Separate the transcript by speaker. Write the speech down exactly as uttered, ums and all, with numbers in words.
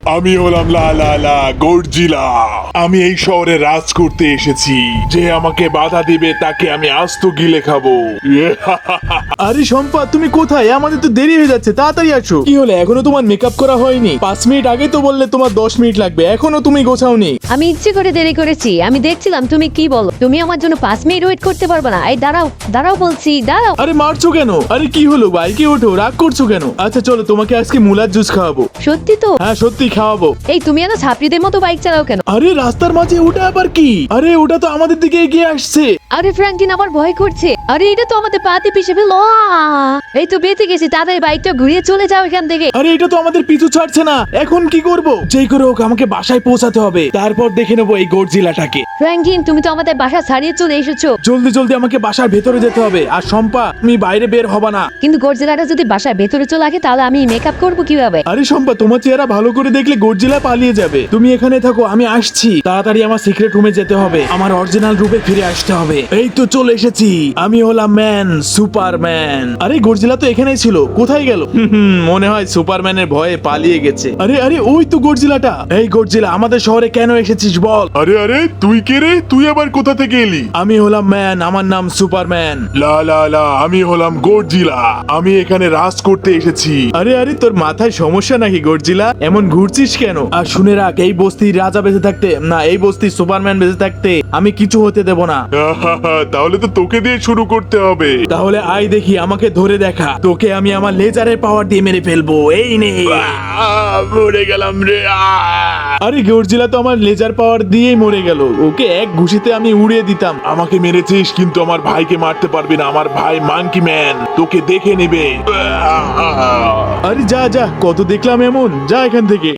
Speaker 1: আমি হলাম লা লা লা গর্জিলা। আমি এই শহরে রাজ করতে এসেছি। যে আমাকে বাধা দিবে তাকে আমি আস্ত গিলে খাবো।
Speaker 2: আরে শম্পা, তুমি কোথায়? আমাদের তো দেরি হয়ে যাচ্ছে, তাড়াতাড়ি আসো। কি হলো, এখনো তোমার মেকআপ করা হয়নি? পাঁচ মিনিট আগে তো বললে তোমার দশ মিনিট লাগবে, এখনো তুমি গোছাওনি।
Speaker 3: আমি ইচ্ছে করে দেরি করেছি। আমি দেখছিলাম তুমি কি বলো। তুমি আমার জন্য পাঁচ মিনিট ওয়েট করতে পারবে না? এই দাঁড়াও, দাঁড়াও বলছি, দাঁড়াও।
Speaker 2: আরে মারছো কেন? আরে কি হলো, বাইকে ওঠো, রাগ করছো কেন? আচ্ছা চলো, তোমাকে আজকে মুলার জুস খাওয়াবো।
Speaker 3: সত্যি তো?
Speaker 2: হ্যাঁ সত্যি খাওয়াবো।
Speaker 3: এই তুমি এত ছাত্রীদের মতো বাইক চালাও কেন?
Speaker 2: আরে রাস্তার মাঝে ওটা আবার কি? আরে ওটা তো আমাদের দিকে এগিয়ে আসছে।
Speaker 3: আরে ফ্র্যাঙ্কলিন, আমার ভয় করছে। আরে এটা তো আমাদের পাতে পিছে ফেল। এই তো বেঁচে গেছি। তাদের বাইকটা ঘুরিয়ে চলে যাও এখান থেকে।
Speaker 2: আরে এটা তো আমাদের পিছু ছাড়ছে না, এখন কি করব? যেই করে হোক আমাকে বাসায় পৌঁছাতে হবে, তারপর দেখে নেবো এই গর্জিলাটাকে।
Speaker 3: ফ্র্যাঙ্কলিন, তুমি তো আমাদের বাসা ছাড়িয়ে চলে এসেছো।
Speaker 2: জলদি জলদি আমাকে বাসার ভেতরে যেতে হবে। আর শম্পা, তুমি বাইরে বের হবা না।
Speaker 3: কিন্তু গর্জিলাটা যদি বাসার ভেতরে চলে আসে তাহলে আমি মেকআপ করবো কিভাবে?
Speaker 2: আরে শম্পা, তোমার চেহারা ভালো করে দেখলে গর্জিলা পালিয়ে যাবে। তুমি এখানে থাকো, আমি আসছি। তাড়াতাড়ি আমার সিক্রেট রুমে যেতে হবে, আমার অরিজিনাল রূপে ফিরে আসতে হবে। এই তো চলে এসেছি, আমি হলাম ম্যান, সুপারম্যান। আরে গর্জিলা তো এখানেই ছিল, কোথায় গেল? হুম, হুম, মনে হয় সুপারম্যানের ভয়ে পালিয়ে গেছে। আরে আরে ওই তো গর্জিলাটা। এই গর্জিলা, আমাদের শহরে কেন এসেছিস বল?
Speaker 1: আরে আরে তুই কে রে? তুই আবার কোথা থেকে এলি?
Speaker 2: আমি হলাম ম্যান, আমার নাম সুপারম্যান।
Speaker 1: লা লা লা আমি হলাম গর্জিলা। আমি এখানে রাজ করতে এসেছি।
Speaker 2: আরে আরে তোর মাথায় সমস্যা নাকি গর্জিলা? এমন ঘুরছিস কেন? আর শুনে রাখ, এই বস্তির রাজা বেঁচে থাকতে, না এই বস্তির সুপারম্যান বেঁচে থাকতে আমি কিছু হতে দেব না।
Speaker 1: তাহলে তো তোকে দিয়ে শুরু করতে হবে।
Speaker 2: তাহলে আয় দেখি, আমাকে ধরে দেখা। তোকে আমি আমার লেজারের পাওয়ার দিয়ে মেরে ফেলবো। এই নে।
Speaker 1: আহ, মরে গেলাম রে। আহ!
Speaker 2: আরে গর্জিলা তো আমার লেজার পাওয়ার দিয়েই মরে গেল, ওকে এক ঘুষিতে আমি উড়িয়ে দিতাম।
Speaker 1: আমাকে মেরেছিস কিন্তু আমার ভাইকে মারতে পারবি না। আমার ভাই মাঙ্কি ম্যান তোকে দেখে নেবে।
Speaker 2: আরে যা যা, কত দেখলাম এমন, যা এখান থেকে।